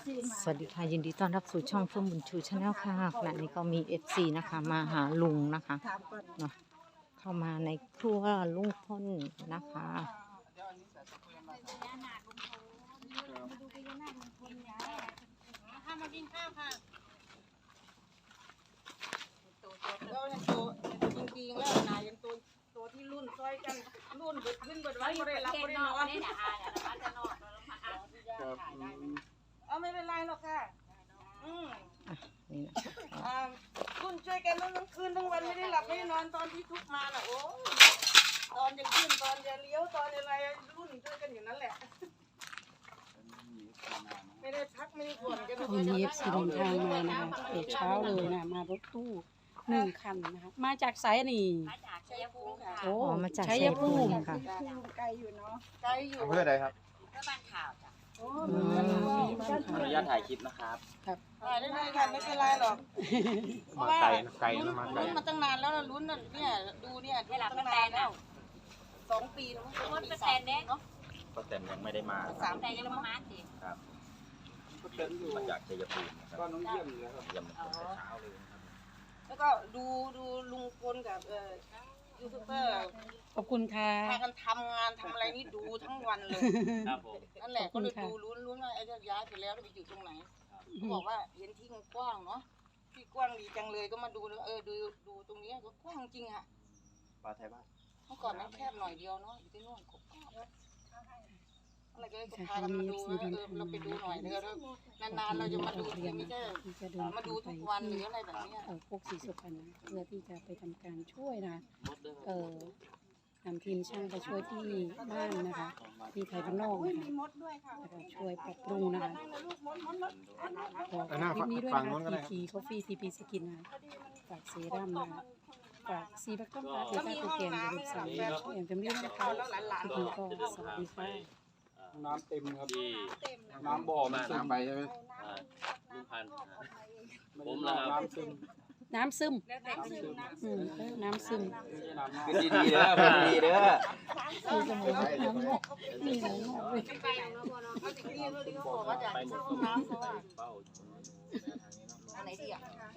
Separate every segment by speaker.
Speaker 1: สวัสดีค่ะยินดีต้อนรับสู่ช่องเฟื่องบุญชูชาแนลค่ะขณะนี้ก็มี FC นะคะมาหาลุงนะคะเนาะเข้ามาในครัวลุงพลนะคะ
Speaker 2: มากินข้าวค่ะเราเนี่ยตัวจริงๆแล้วนายยังตัวที่รุ่นซอยกันรุ่นเบิดขึ้นเบิดไว้ไม่ได้รับไม่ได้นอนเอาไม่เป็นไรหรอกค่ะ
Speaker 1: นี่นะ
Speaker 2: รุ่นช่วยกันทั้งคืนทั้งวันไม่ได้หลับไม่ได้นอนตอนที่ทุกมาน่ะโอ้ตอนจะขึ้นตอนจะเลี้ยวตอนอะไรรุ่นช่วยกันอยู่นั่นแหละไม่ได้พักไม่ได้ผ่อนกัน
Speaker 3: วันนี้FCเดินทางมานะคะแต่เช้าเลยนะมารถตู้1 คันนะคะมาจากไสนี่
Speaker 2: มาจากชัยภูมิค่ะ
Speaker 3: โอ้
Speaker 1: มาจาก
Speaker 3: ชั
Speaker 1: ชั
Speaker 3: ย
Speaker 1: ย
Speaker 3: ภู
Speaker 1: ภู
Speaker 3: มิ
Speaker 1: มิค่ะ
Speaker 2: ไกลอยู่เนาะไกลอยู่
Speaker 4: อำเภออะไรครับ
Speaker 2: เพื่อบ้านข่าวจ้ะ
Speaker 4: ขออนุญาตถ่ายคลิปนะครับ
Speaker 2: ได้เลยค่ะไม่เป็นไรหรอกเพราะว่า
Speaker 4: ไกลนะมาไกล
Speaker 2: ลุ้นมาตั้งนานแล้วลุ้นน่ะเนี่ยดูเนี่ยเวลาตั้งนานแล้ว2 ปีแล้วมั้ง2 ปี 3 เนาะ
Speaker 4: ป้าแตนยังไม่ได้มา
Speaker 2: 3 ปียังมาสิ
Speaker 4: ครับมาจากชัยภูมินะครับก็น้องเยี่ยมเลยครับเยี่ยมตั้งแต่เช้าเลยนะครับ
Speaker 2: แล้วก็ดูลุงพลกับยูทูบเบอร์
Speaker 3: ขอบคุณค่ะ
Speaker 2: พากันทำงานทำอะไรนี่ดูทั้งวันเลย
Speaker 4: ครับผม
Speaker 2: นั่นแหละก็เลยดูลุ้นว่าไอ้จะย้ายไปแล้วจะไปอยู่ตรงไหนเขาบอกว่าเห็นที่มันกว้างเนาะที่กว้างดีจังเลยก็มาดูดูตรงนี้ก็กว้างจริงอะ
Speaker 4: ปลาไทยบ้าน
Speaker 2: เมื่อก่อนมันแคบหน่อยเดียวเนาะอยู่ที่นู่นกว้างอะไรก็เลยพากันมาดูเราไปดูหน่อยเดี๋ยวนานๆเราจะมาดูทีไม่ใช่
Speaker 3: ที่จะเดิน
Speaker 2: มาดูทุกวันหรืออะไรแบบนี้
Speaker 3: พวกสีสุพรรณนะเพื่อที่จะไปทำการช่วยนะนำทีมช่างไปช่วยที่บ้านนะคะที่ไทยบ้านนอกนะคะแล้วก็ช่วยปรับปรุงนะคะขอคลิปนี้ด้วยนะคะ TP Coffee TP Skin นะฝากเซรั่มนะคะฝากซีบักต้มปลาเทต้าโปรแกรมอย่าลืมสั่งแบบช่วยอย่างเต็มที่นะคะคลิปนี้ก็สวัสดีค่ะ
Speaker 5: น้ำเต็มครับน้ำบ่อมันซึม
Speaker 4: น้ำไปใช่ไหม
Speaker 6: ลุงพันธุ์
Speaker 5: ผมนะครับน้ำซึม
Speaker 3: น้ำซึมน้ำซึม
Speaker 4: ขึ้นดีๆเด้อขึ้นดีๆเด้อ
Speaker 3: คือสมุนไพรน้ำงอกนี่น้ำงอกเลย
Speaker 2: เขาถึงนี่เขาบอกว่าอยากเข้าห้องน้ำเพราะว่า
Speaker 6: เป้า
Speaker 2: อันไหนดีอ่ะ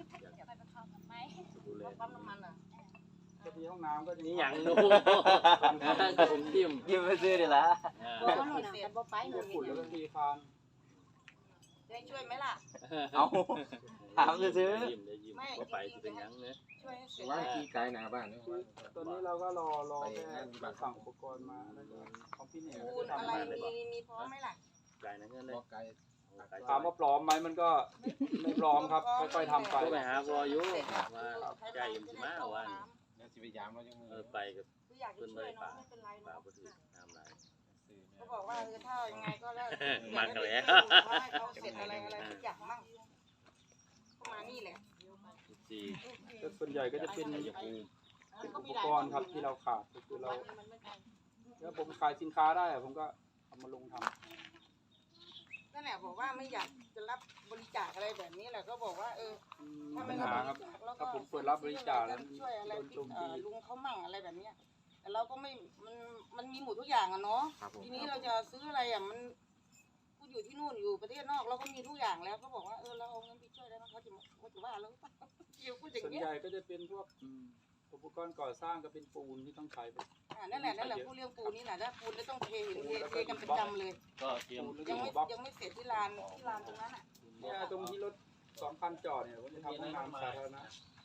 Speaker 2: ปั๊มน้ำมันอ่ะ
Speaker 5: จะมีห้องน้ำก็จะ
Speaker 6: นี่อย่างนู้นผมจิ้ม
Speaker 4: ยิ้มไปซื้อดีละ
Speaker 2: ตัวมันเสียบ่ไปหนู
Speaker 5: ฝุ่นแล้วก็ทีคาน
Speaker 2: ได้ช่วยไหมล่ะ
Speaker 4: เอาถามซื้อ
Speaker 6: ยิ้มได้ยิ้มว่าไปจะเป็นยังเนี่ย
Speaker 2: ช่วยให้เสร็จ
Speaker 4: ว่าขี่ไกลหน้าบ้านนี่
Speaker 5: ตอนนี้เราก็รอแค่สั่งอุปกรณ์มาแล้วก็ของพี่เนี่ย
Speaker 2: ปูนอะไรมีพร้อมไหมล่ะ
Speaker 6: ไกลนะเงี้ยเลย
Speaker 4: ไกล
Speaker 5: ถามว่าพร้อมไหมมันก็ไม่พร้อมครับค่อยๆทำไป
Speaker 6: ก็ไปหาวอยุมาใจยิ้มสิมาวัน
Speaker 4: แล้วสิไปยามเรายัง
Speaker 6: ไปกับ
Speaker 2: คืออยากจะช่วยเนาะไม่เป็นไร
Speaker 6: ป่า
Speaker 2: เนาะ
Speaker 6: บุตรทำไร
Speaker 2: เขาบอกว่าถ้ายังไงก็แล้วให้เขาเสร็จอะไรทุกอย่างมั่งเข้ามานี่แหละ
Speaker 6: สี่
Speaker 5: แต่ส่วนใหญ่ก็จะเป็น
Speaker 6: ชัยภูมิ
Speaker 5: อุปกรณ์ครับที่เราขาดก็คือเราแล้วผมขายสินค้าได้ผมก็เอามาลงทำ
Speaker 2: นั่นแหละบอกว่าไม่อยากจะรับบริจาคอะไรแบบนี้แหละก็บอกว่าถ้า
Speaker 5: ปั
Speaker 2: ไม่
Speaker 5: ญ
Speaker 2: รับบ
Speaker 5: หา
Speaker 2: ริ
Speaker 5: ครับ
Speaker 2: จาคแล้วก็
Speaker 5: ถ้าผมเปิดรับบริจาคแล้ว
Speaker 2: ช่วยอะไร
Speaker 5: โดนโจมตี
Speaker 2: ลุงเขามั่งอะไรแบบเนี้ยแต่เราก็ไม่มันมีหมดทุกอย่างอะเนาะทีนี้เราจะซื้ออะไรอะมันก็อยู่ที่นู่นอยู่ประเทศนอกเราก็มีทุกอย่างแล้วเขาบอกว่าเราเอาเงินไปช่วยแล้วเขาจะว่าเราพูดอย่าง
Speaker 5: ส่วน
Speaker 2: เงี้ย
Speaker 5: ใหญ่ก็จะเป็นพวกอุปกรณ์ก่อสร้างก็เป็นปูนที่ต้องใช้ไป
Speaker 2: นั่นแหละพูดเรื่องปูนี่แหละถ้าปูนแล้วต้องเทกันประจำเลย
Speaker 6: ก็เตรียม
Speaker 2: ยังไม่เสร็จที่ลานตรงนั้นอ่ะ
Speaker 5: เนี่ยตรงที่รถ2 คันจอดเนี่ยผมจะทำห้องน้ำสาธารณะ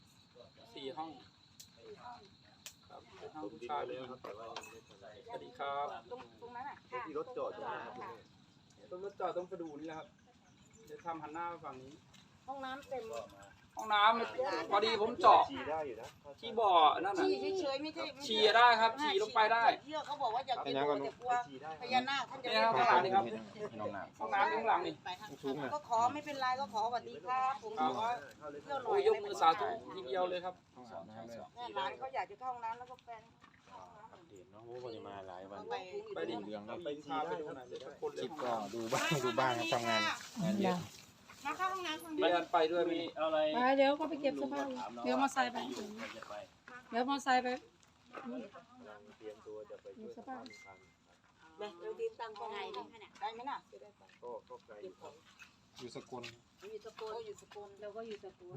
Speaker 5: 4 ห้องครับห้องผู้ชายเลยครับสวัสดีครับ
Speaker 2: ตรงนั้นอ่ะ
Speaker 4: ที่รถจอดอยู่นะครับ
Speaker 5: ตรงรถจอดต้องไปดูนี่แหละครับเดี๋ยวทำหันหน้าไปฝั่งนี้
Speaker 2: ห้องน้ำเต็ม
Speaker 5: ห้องน้ำพอดีผมเจาะ
Speaker 4: ขี่ได้อยู่นะ
Speaker 5: ที่บ่อนั่นน่ะ
Speaker 2: ฉี่เฉยๆไม่ใช่
Speaker 5: ฉี่ได้ครับฉี่ลงไปได้
Speaker 2: เชื่อเขาบอกว่าอย่าไปดูจะกลัวพญานาคท่านจะ
Speaker 5: นี่ครับข้างหลังนี่ครับ
Speaker 4: น้องน้
Speaker 5: ห้องน้ำข้างหลังนี่
Speaker 2: ก็ขอไม่เป็นไรก็ขอสวัสดีครับผมขอเที่ยวหน่
Speaker 5: โอ้
Speaker 2: อย
Speaker 5: ยยกมือสาธุทีเดียวเลยครับ
Speaker 2: หลานเขาอยากจะเข้าห้องน้ำแล้วก็แฟน
Speaker 6: น้องโอ้ยมาหลายวัน
Speaker 5: ไปดิไปพาไปดูหน่อยเลยทุกคนเลย
Speaker 4: คลิปก็ดูบ้างครับทำงานเยอะ
Speaker 2: มาเข้าห้องน้ำคน
Speaker 5: มี
Speaker 2: เดียว
Speaker 5: การไปด้วยมี
Speaker 6: เอาอะไร
Speaker 3: ไปเดี๋ยวก็ไปเก็บเสื้อผ้าเดี๋ยวมอไซค์ไปเดี๋ยวมอไซค์ไป
Speaker 6: เตรียมตัวจะไป
Speaker 3: เสื้อผ้า
Speaker 2: เราตีตังค์ก็ไงได้ไหมน่ะ
Speaker 6: ก็ไกล
Speaker 7: อยู่สกล
Speaker 2: อยู่สกลอยู่สกล
Speaker 3: เราก็อยู่สตูล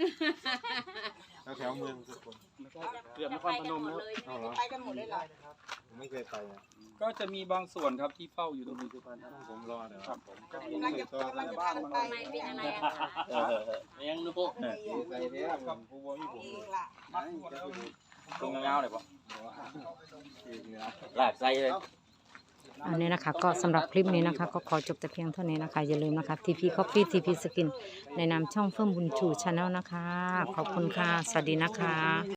Speaker 7: แถวเมืองสกล
Speaker 5: เกือบนครพนมแล้ว
Speaker 7: เอาเหรอ
Speaker 2: ไปกันหมดเลยเหรอ
Speaker 7: ผมไม่เคยไปอ่ะ
Speaker 5: ก็จะมีบางส่วนครับที่เฝ้าอยู่ตรงนี้ทุกท่าน
Speaker 7: ผมรอเดี๋ยว
Speaker 5: ครับผมก็
Speaker 2: กำลังจะพากันไป
Speaker 8: ไม่เป็นอะไรอะคะ
Speaker 4: ยังนึกพวก
Speaker 7: ใจเนี้ยผมผู้ว่ามีผม
Speaker 2: เองล่ะ
Speaker 4: ตรงเงาเลยปะ
Speaker 7: อีกเนี่ย
Speaker 4: หลากไส้เลย
Speaker 1: อันนี้นะคะก็สำหรับคลิปนี้นะคะ ก็ขอจบแต่เพียงเท่านี้นะคะ อย่าลืมนะคะ TP Coffee TP Skin ในนามช่องเฟิ่มบุญชูชาแนลนะคะ ขอบคุณค่ะ สวัสดีนะคะ